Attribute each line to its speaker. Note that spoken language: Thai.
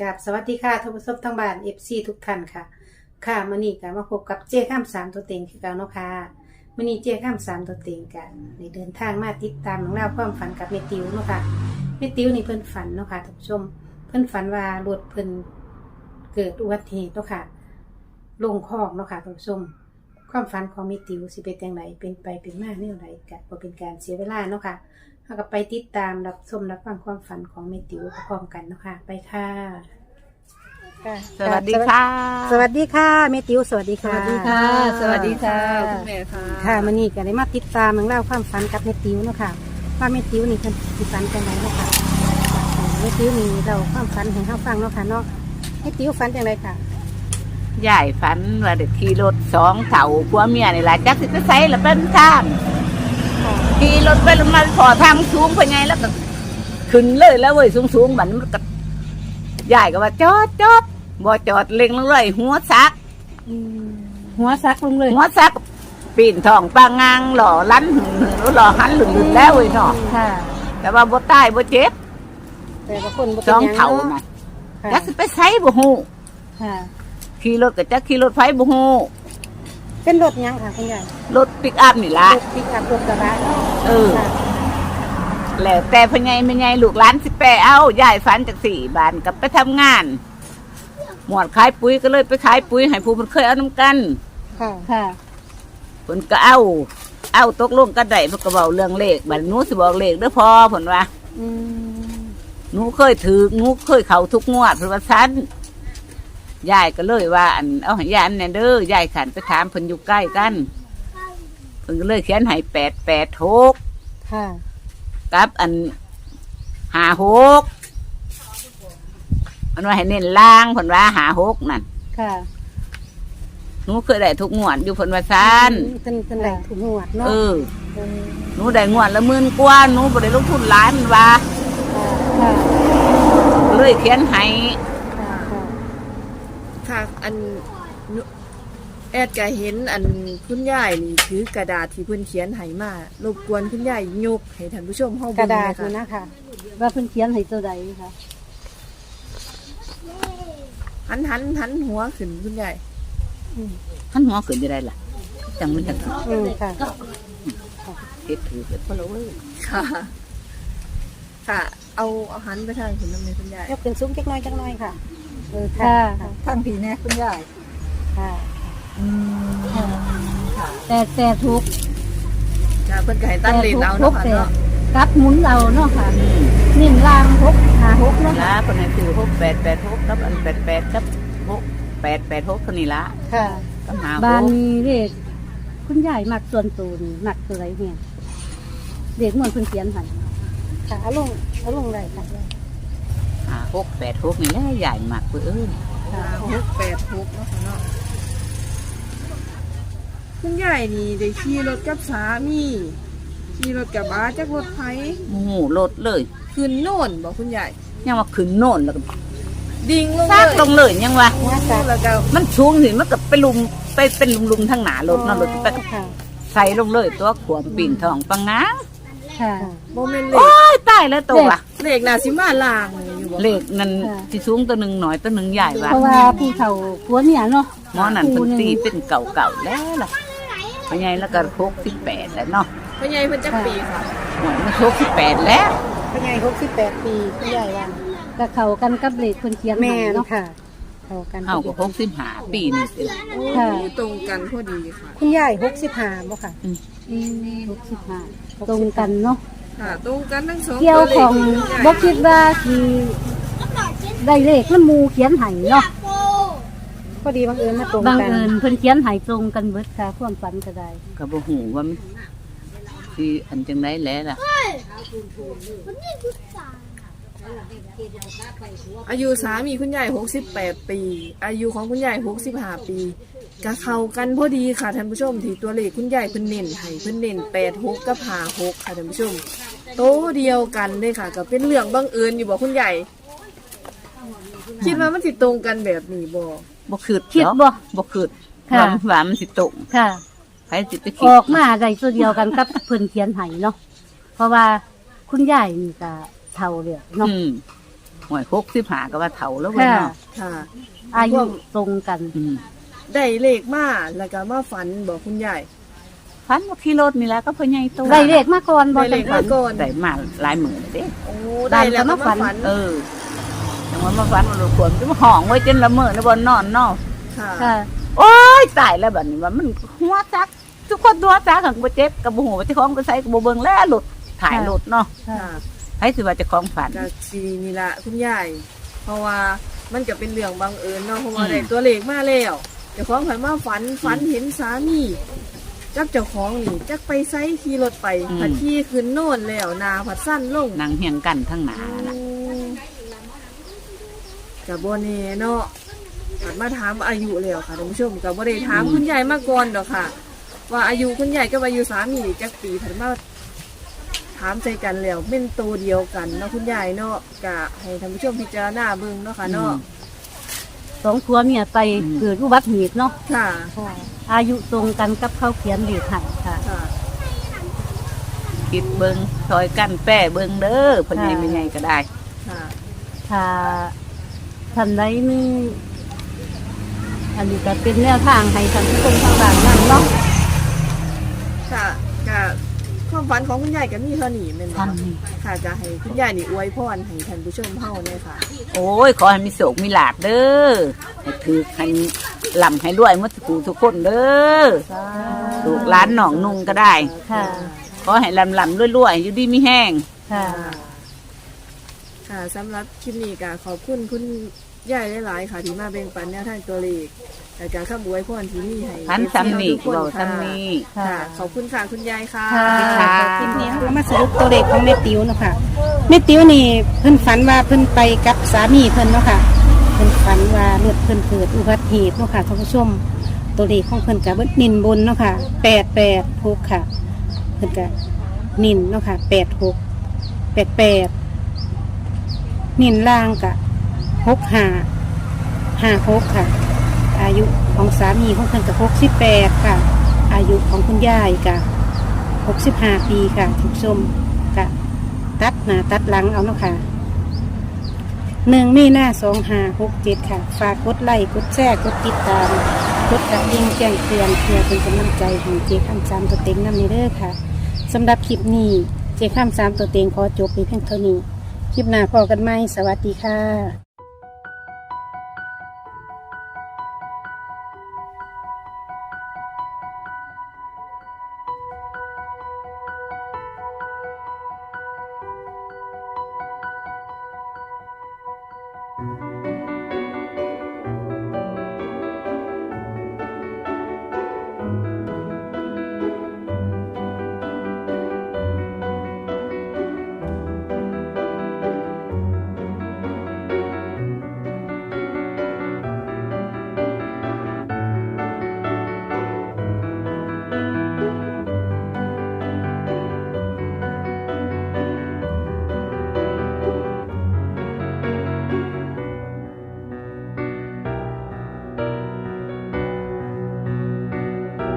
Speaker 1: กับสวัสดีค่ะท่านผู้ชมทั้งบ้าน FC ทุกท่านค่ะค่ะมื้อนี้ก็มาพบกับเจ้ข้าม3ตัวเต็งคือเก่าเนาะค่ะมื้อนี้เจ้ข้าม3ตัวเต็งกันได้เดินทางมาติดตามเรื่องราวความฝันกับแม่ติ๋วเนาะค่ะแม่ติ๋วนี่เพิ่นฝันเนาะค่ะท่านผู้ชมเพิ่นฝันว่ารถเพิ่นเกิดอุบัติเหตุเนาะค่ะลงคลองเนาะค่ะท่านผู้ชมความฝันของแม่ติ๋วสิเป็นจังไดเป็นไปเป็นมาแนวใดก็บ่เป็นการเสียเวลาเนาะค่ะเราก็ไปติดตามรับชมรับฟังความฝันของแม่ติ๋วพร้อมกันเนาะค่ะไปค่ะ
Speaker 2: สวัสดีค่ะ
Speaker 1: สวัสดีค่ะแม่ติ๋วสวัสดีค่ะ
Speaker 2: สวัสดีค่ะคุณแม่ค่ะ
Speaker 1: ค่ะมื้อนี้ก็ได้มาติดตามเรื่องราวความฝันกับแม่ติ๋วเนาะค่ะว่าแม่ติ๋วนี่เพิ่นสิฝันจังไดเนาะค่ะแม่ติ๋วนี่เราความฝันให้เฮาฟังเนาะค่ะเนาะแม่ติ๋วฝันจังไดค่ะ
Speaker 2: ยายฝันว่าเด็กขี่รถ2เถ่าผัวเมียนี่แหละจักสิไปไสแล้วเป็นทางขี่รถไปลงมาพอทางสูงไปไงแล้วก็ขึ้นเลยแล้วเว้ยสูงๆบัดมันก็ยายก็ว่าจอดบ่จอดเล็งลงเลยหัวซัก
Speaker 1: หัวซักลงเลย
Speaker 2: หัวซักปีนท้องปางางหล่อลั้นหล่อหันหลุดแล้วเว้ยเนาะ
Speaker 1: ค่ะ
Speaker 2: แต่ว่าบ่ตายบ่เจ็บ
Speaker 1: แต่ว่าคนบ่
Speaker 2: ส
Speaker 1: เป็น
Speaker 2: อง
Speaker 1: หยัง
Speaker 2: เถ่า
Speaker 1: เนาะ
Speaker 2: น่ะ
Speaker 1: ค่ะ
Speaker 2: จักสิไปไสบ่ฮู้
Speaker 1: ค่ะ
Speaker 2: ขี่รถก็จักขี่รถไฟบ่ฮู้
Speaker 1: เป็นรถหยังค่ะคุณยาย
Speaker 2: รถปิกอัพนี่ล่ะ
Speaker 1: รถปิกอัพรถกระบะเนาะ
Speaker 2: เออ
Speaker 1: ค่ะ
Speaker 2: แล้วแต่พ่อใหญ่แม่ใหญ่ลูกหลานสิแปเอายายฝันจาก4 บ้านกับไปทำงาน หมวดขายปุ๋ยก็เลยไปขายปุ๋ยให้ผู้มันเคยเอาน้ำกัน
Speaker 1: ค่ะค่ะ
Speaker 2: ผลก็เอาตกลงกันได้เพิ่นก็เว้าเรื่องเลขบัดหนูสิบอกเลขเด้อพ่อเพิ่นว่า
Speaker 1: อืม
Speaker 2: หนูเคยถือหนูเคยเข้าทุกงวดเพิ่นว่าซั่นยายก็เลยว่าอันเอาให้ยายอันนั้นเด้อยายขันไปถามเพิ่นอยู่ใกล้กันเพิ่นก็เลยเขียนให้886
Speaker 1: ค่ะ
Speaker 2: กับอัน56มันว่าให้เน้นล่างเพิ่นว่า56นั่น
Speaker 1: ค่ะ
Speaker 2: หนูเคยได้ทุกงวดอยู่เพิ่นว่าซั่น
Speaker 1: เป็นไหลถุงหนวดเนาะ
Speaker 2: เออ
Speaker 1: เออ
Speaker 2: หนูได้งวดละ10,000กว่าหนูบ่ได้ลงทุนหลายมันว่า
Speaker 1: ค่ะ
Speaker 2: เลยเขียนให้
Speaker 1: ค่ะค่ะ
Speaker 3: ค่ะอันนุแอดก็เห็นอันคุณยายนี่ถือกระดาษที่เพิ่นเขียนให้มารบกวนคุณยายยกให้ท่านผู้ชมเฮาก เบิ่
Speaker 1: ระ
Speaker 3: ง
Speaker 1: ดาษ
Speaker 3: หน่อย
Speaker 1: นี่
Speaker 3: ค่ะ
Speaker 1: นะคะว่าเพิ่นเขียนให้ตัวใดคะ
Speaker 3: หันหัวขึ้นคุณยาย
Speaker 2: หันหัวขึ้นจะได้ล่ะจังมันจัง
Speaker 1: ค่ะ
Speaker 2: เฮ็ดถือเฮ็ดบ่ละเว้ย
Speaker 3: ค่ะ ค่ะ เอาหันไปทางคุณน้ำในคุณยาย
Speaker 1: ยกขึ้นสูงจักหน้อยค่ะค่ะ
Speaker 3: ทางผีแน่คุณยาย
Speaker 1: ค่ะ
Speaker 4: แต่ทุก
Speaker 3: ค่ะเพิ่นก็ให้ตั้งเลนเอาเนาะค่ะเนาะ
Speaker 4: กับหมุนเอาเนาะค่ะนิ่มล่าง6 5 6เนาะ
Speaker 2: ล่ะเพิ่นให้ซื้อ6886กับอัน88กับ6886เท่านี้ล่ะ
Speaker 1: ค่ะ
Speaker 2: กับ
Speaker 4: บ้าน
Speaker 2: 56
Speaker 4: นี้เลขคุณยายมักส่วนตัวนี่มักตัวไรเนี่ยเด็กเหมือนเพิ่นเขียนให้
Speaker 1: ค่ะเอาลงได้ค่ะ
Speaker 2: 5686นี่แหละใหญ่มากเพิ่นเอ้ย
Speaker 3: 686เนาะค่ะเนาะคุณยายนี่ได้ขี่รถกับสามีขี่รถกับบ้าจักรถไผ
Speaker 2: โอ้โหรถเลย
Speaker 3: ขึ้นโน่นบ่คุณยาย
Speaker 2: ยังว่าขึ้นโน่นแล้วก็
Speaker 3: ดิ่งลง
Speaker 2: ซากลงเลยยังว่า
Speaker 1: ว่าจ้ะ
Speaker 3: แล้วก็
Speaker 2: มันสูงสิมันก็ไปลุมไปเป็นลุมๆทางหน้ารถเนาะรถไป
Speaker 1: ค่ะ
Speaker 2: ใส่ลงเลยตัวขวมปีนท้องปังงา
Speaker 4: ค่ะ
Speaker 3: บ่แม่นเล
Speaker 2: โอ้
Speaker 3: ข
Speaker 2: ยตายแล้วตัว
Speaker 3: เลขน่าสิมาลางเลยอยู่บ่
Speaker 2: เลขนั่นที่สูงตัวหนึ่งหน่อยตัวหนึ่งใหญ่ว่ะ
Speaker 4: เพราะว่าผู้เฒ่าผัวเนี่ยเนาะ
Speaker 2: หมอนั่นเป็นตีเป็นเก่าๆแล้วล่ะเป็นไงแล้วก็68แล้วเนาะ
Speaker 3: พ่อใหญ่เพิ่นจักปีค่ะ
Speaker 2: หมอมัน68แล้ว
Speaker 1: เป็นไง68 ปีคุณยายว่า
Speaker 4: ก็เข้ากันกับเลขเพิ่นเขียน
Speaker 1: แม่
Speaker 4: ให้
Speaker 1: น
Speaker 4: เนาะ
Speaker 1: ค่ะเข้ากัน
Speaker 2: เฮาก็65ปีนี่สิ
Speaker 4: ค่ะ
Speaker 3: ตรงกันพอดีค่ะ
Speaker 1: คุณยาย65บ่ค่ะ
Speaker 4: 65ตรงกันเนาะ
Speaker 3: ค่ะ ตรงกันทั้งสอง
Speaker 4: เกี่ยวของ
Speaker 3: ตัว
Speaker 4: บ่คิดว่าสิได้เลขมันหมู่เขียนให้เนาะ
Speaker 1: พอดีบังเอิญมาตรง
Speaker 4: บัง
Speaker 1: กัน
Speaker 4: เอิญเพิ่นเขียนให้ตรงกันเบิดค่ะความฝันก็ได้
Speaker 2: ก็บ่ฮู้ว่ามันสิอันจังได๋แหละล่ะ
Speaker 3: อายุสามีคุณยาย68 ปี อายุของคุณยาย65 ปีก็เข้ากันพอดีค่ะท่านผู้ชมที่ตัวเลขคุณยายเพิ่นเน้นให้เพิ่นเน้น86กับ56ค่ะท่านผู้ชมโตเดียวกันเลยค่ะก็เป็นเรื่องบังเอิญอยู่บ่คุณยายคิดว่ามันสิตรงกันแบบนี้บ่
Speaker 2: บ่คิด
Speaker 4: คิด
Speaker 2: เนาะ
Speaker 4: บ่
Speaker 2: บ่คิด
Speaker 4: ค่ะ
Speaker 2: ว่ามันสิตรง
Speaker 4: ค่ะ
Speaker 2: ไผสิไปคิ
Speaker 4: อ
Speaker 2: ด
Speaker 4: อกมาได้ตัวเดียวกันกับ เพิ่นเขียนให้เนาะเพราะว่าคุณยายนี่ก็เฒ่าแล้วเนาะ
Speaker 2: อืมหวย65ก็ว่าเฒ่าแล้วเว้ย
Speaker 4: ค่ะ
Speaker 2: เนาะ
Speaker 3: ค่ะ
Speaker 4: อายุตรงกัน
Speaker 2: อืม
Speaker 3: ได้เลขมาแล้วก็มาฝันบอกคุณยาย
Speaker 2: ฝันว่าขี่รถนี่แหละก็พ่อใหญ่โต
Speaker 4: ได้เลขมาก่อนบ่
Speaker 3: ได้เล
Speaker 4: จัง
Speaker 3: ข
Speaker 4: ฝั
Speaker 3: มาน ก่อน
Speaker 2: ได้มาหลายหมื่นเด้
Speaker 3: โอ้ได้แล้วก็มาฝัน
Speaker 2: เออจังว่ามาฝันว่าลูกควรจะมาห้องไว้จนละเมอนะบ่นอนเนาะ
Speaker 3: ค่ะ
Speaker 4: ค่ะ
Speaker 2: โอ้ยตายแล้วบัดนี้ว่ามันหัวจัก ทุกคนตัวจักหังบ่เจ็บกับบ่ฮู้ว่าเจ้าของก็ใส่ก็บ่เบิ่งแล้วหลุดถ่ายหลุดเนาะ
Speaker 4: ค่ะ
Speaker 3: ค่ะ
Speaker 2: ให้สิว่าเจ้าของฝัน
Speaker 3: ก็สีนี่ละคุณยายเพราะว่ามันก็เป็นเรื่องบังเอิญเนาะเพราะว่า
Speaker 2: อืม
Speaker 3: ได้ตัวเลขมาแล้วเจ้าของผันมาฝันเห็นสามีจักเจ้าของนี่จักไปไซขี่รถไปผัดขี่ขึ้นโน่นแล้วนาผัดสั้นลง
Speaker 2: นั่งเฮียงกันทั้งหน้าน่ะ
Speaker 3: กับโบเน่เนาะผัดมาถามอายุแล้วค่ะท่านผู้ชมกับโบได้ถามคุณยายมาก่อนดอกค่ะ ว่าอายุคุณยายกับอายุสามีจักปีผัดมาถามใจกันแล้วเป็นตัวเดียวกันเนาะคุณยายเนาะกะให้ท่านผู้ชมพิจารณาเบิ่งเนาะค่ะเนาะ
Speaker 4: สองผัวเมียไปเกิดอุบัติเหตุเนาะ
Speaker 3: ค่ะ
Speaker 4: อายุตรงกันกับเขาเขียนเลขให้ค่ะ
Speaker 3: ค่ะ
Speaker 2: คิดเบิ่งซอยกันแป้เบิ่งเด้อเพิ่นใหญ่ไม่ใหญ่ก็ได้
Speaker 3: ค่ะ
Speaker 4: ถ้าท่านใดมีอันนี้ก็เป็นแนวทางให้ท่านผู้ชมทางบ้านนั่นเนาะ
Speaker 3: ค่ะกะความฝันของคุณยายก็มีเท่านี้แม่นบ่
Speaker 2: ทำนี่
Speaker 3: ค่ะจะให้คุณยายนี่อวยพรให้ท่านผู้ชมเฮาเนี่ยค่ะ
Speaker 2: โอ้ยขอให้มีโศกมีลาภเด้อให้ถือให้ลำให้รวยหมดทุกคนเด้อลูกหลานน้องนุ่งก็ได้
Speaker 4: ค่ะ
Speaker 2: ขอให้ลำรวยๆอยู่ดีมีแห้ง
Speaker 4: ค่ะ
Speaker 3: ค่ะสำหรับคลิปนี้ก็ขอบคุณคุณยายหลายๆค่ะที่มาแบ่งปันแนวทางตัวเลขและการคำอวยพรที่มีให้
Speaker 2: พันซ้ำนี่
Speaker 3: ทุกคน
Speaker 2: เบา
Speaker 3: ค่ะ
Speaker 2: ซ้ำนี่
Speaker 3: ค่ะ ขอบคุณค่ะคุณยายค่ะ
Speaker 1: ค่ะคลิปนี้เรามาสรุปตัวเลขของแม่ติ๋วเนาะค่ะแม่ติ๋วนี่เพิ่นฝันว่าเพิ่นไปกับสามีเพิ่นเนาะค่ะเพิ่นฝันว่ารถเพิ่นเกิดอุบัติเหตุเนาะค่ะท่านผู้ชมตัวเลขของเพิ่นกับนินบนเนาะค่ะ886ค่ะเพิ่นกับนินเนาะค่ะ86 88นินล่างกับ6556ค่ะ อายุของสามีของเพิ่นกับ68ค่ะ อายุของคุณยายกับ65 ปีค่ะทุกชมกะตัดหน้าตัดหลังเอาเนาะค่ะ1 มีนา2567ค่ะ ฝากกดไลค์กดแชร์กดติดตามกดกระดิ่งแจ้งเตือนเพื่อเป็นกำลังใจของเจข้ามสามตัวเต็งนำในเด้อค่ะสำหรับคลิปนี้เจข้ามสามตัวเต็งขอจบไปเพียงเท่านี้ คลิปหน้าพอกันไหมสวัสดีค่ะ